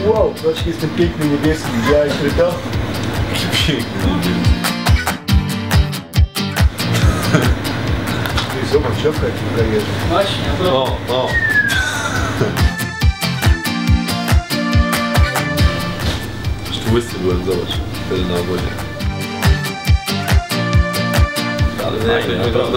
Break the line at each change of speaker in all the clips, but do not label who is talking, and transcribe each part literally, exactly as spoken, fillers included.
Wow, zobaczcie, jestem piękny niebieski, widziałeś to?
Piękny niebieski.
Zobacz, ciofka jaki frajerze.
Właśnie, to...
O, o. Jeszcze łysy byłem, zobacz. Wtedy na obozie. Ale fajnie, naprawdę.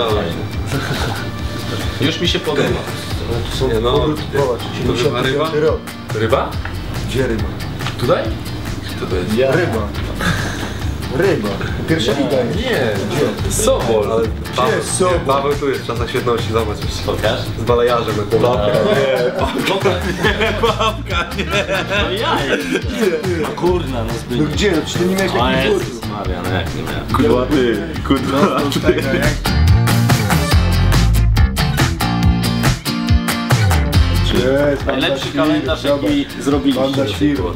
Już mi się podoba.
To są powrót, zobacz, siedemdziesiąty piąty rok.
Ryba?
Gdzie ryba?
Tutaj? Co to jest?
Ja. Ryba. Ryba. Pierwsza liga jest.
Nie, gdzie? Sobol. Ale
Gdzie jest Sobol?
Paweł tu jest w czasach świetności, zobacz.
Pokaż.
Z balejarzem na tym.
babka.
No ja jestem. No kurna, no zbyt.
No gdzie? No przecież ty nie miałeś
O
takich
Jezus
wzorców.
Maria, no jak nie miałem.
Kudła ty, kudła ty.
Jest,
Najlepszy kalendarz jaki zrobiliście.
Banda świrów.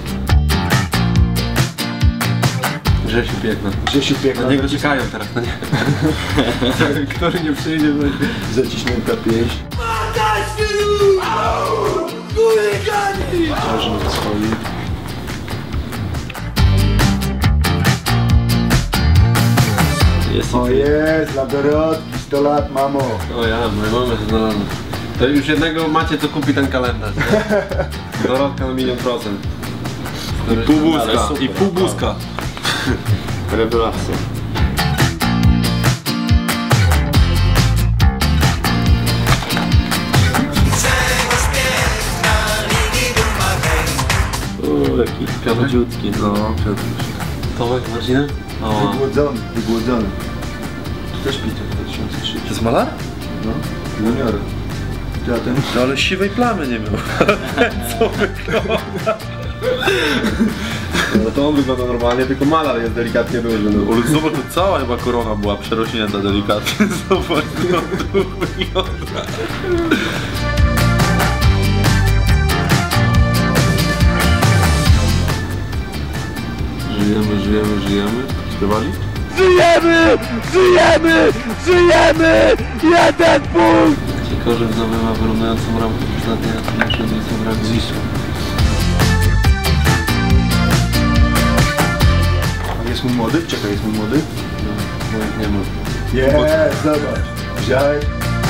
Grzesiu piękna.
Grzesiu piękna.
Na niego czekają teraz, no nie? Który nie przyjdzie, będzie
Zaciśnięta pięść. Leży na swoim.
Jest
No
O jest, dla Dorotki, sto lat, mamo.
O ja, moja mama to znalazła. To już jednego macie, co kupi ten kalendarz. Nie? Dorotka na milion procent.
I pół
Ale
buzka.
super.
I pół buzka.
Rewelacja. O, jaki piądziutki.
No, Piotr. Tomek, Marcinem?
O,
Wygłodzony, wygłodzony. Tu też Peter dwa tysiące trzy.
To jest malar?
No, junior. Ja ten...
No ale siwej plamy nie miał. Co wygląda? No to on wygląda normalnie, tylko malar jest delikatnie duży. No.
Ale zobacz, to cała chyba korona była przerośnięta delikatnie. Zobacz, no tu wygląda. Żyjemy, żyjemy, żyjemy. Śpiewali?
Żyjemy! Żyjemy! Żyjemy! Jeden punkt!
Ciekawe, że zdobywa wyrównującą ramkę ostatnio naszą brak Zisła.
Jest mój młody? Czekaj, jest mój młody?
No, moich nie ma.
Jest, zobacz. Widziałeś?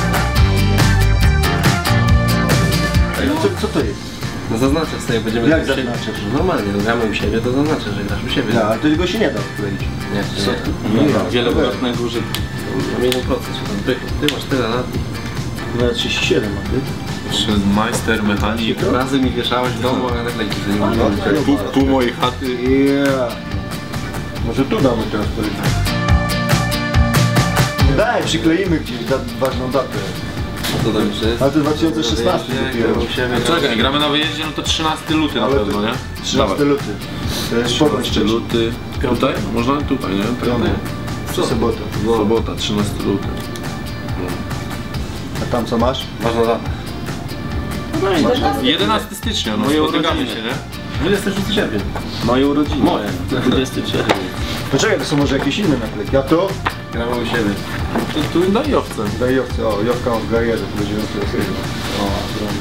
Ej, no co, co to jest?
No zaznaczasz sobie, będziemy...
Jak
u siebie.
zaznaczasz?
No normalnie, no gramy u siebie, to zaznaczasz, że grasz u siebie.
No, ale to tego się nie da wkleić.
Nie,
Co?
nie.
Nie,
Nie,
ja.
wielokrotnego użytku.
na milion procent się tam pycha. Ty masz tyle lat.
Nawet trzydzieści siedem, a ty?
Przez majster, mechanik.
Razy mi wieszałeś w domu, a naklejki za nim
No,
nie
Pół, pół mojej chaty.
Yeah. Może tu damy teraz powiedzieć. Daj, przykleimy gdzieś da, ważną datę.
Co tam jeszcze jest?
Ale to dwa tysiące szesnasty dopiero.
U siebie,
Czekaj, gramy na wyjeździe, no to trzynasty luty na
Ale
pewno,
to-
nie?
trzynasty luty. To jest pogoń
trzynasty luty. Tutaj? Można tutaj, nie?
Piąty. Co? Sobota.
Sobota, trzynasty luty.
A tam co masz?
Ważna data.
jedenastego stycznia, no
Moje
spotykamy
urodziny.
się, nie?
dwudziestego szóstego sierpnia.
Moje urodziny.
Moje.
dwudziesty czerwiec.
Poczekaj, to są może jakieś inne naklejki. A to?
Gramy u siebie.
Tu, tu daj owce.
Daj Jowce. O, Jowka on w garierze, to będzie dziewiątego. O, broń.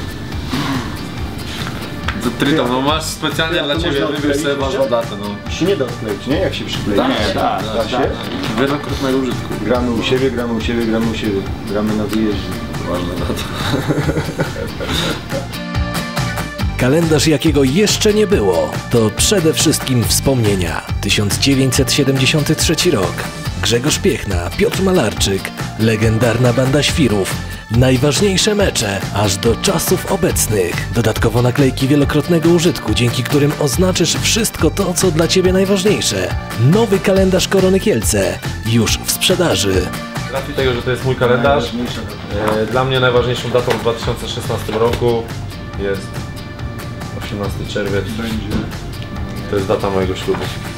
Tryton, no masz specjalnie
Ja,
dla
to
ciebie,
można
wybierz sobie
odkleić
ważną datę, no.
Się nie da odkleić, nie? Jak się przyklei?
Tak, tak,
Da się?
Wielokrotnego użytku.
Gramy u siebie, gramy u siebie, gramy u siebie. Gramy na wyjeździe.
Ważna data.
Kalendarz, jakiego jeszcze nie było, to przede wszystkim wspomnienia. tysiąc dziewięćset siedemdziesiąty trzeci rok. Grzegorz Piechna, Piotr Malarczyk, legendarna banda świrów. Najważniejsze mecze aż do czasów obecnych. Dodatkowo naklejki wielokrotnego użytku, dzięki którym oznaczysz wszystko to, co dla Ciebie najważniejsze. Nowy kalendarz Korony Kielce już w sprzedaży.
Z racji tego, że to jest mój kalendarz, e, dla mnie najważniejszą datą w dwa tysiące szesnastym roku jest osiemnasty czerwiec. To jest data mojego ślubu.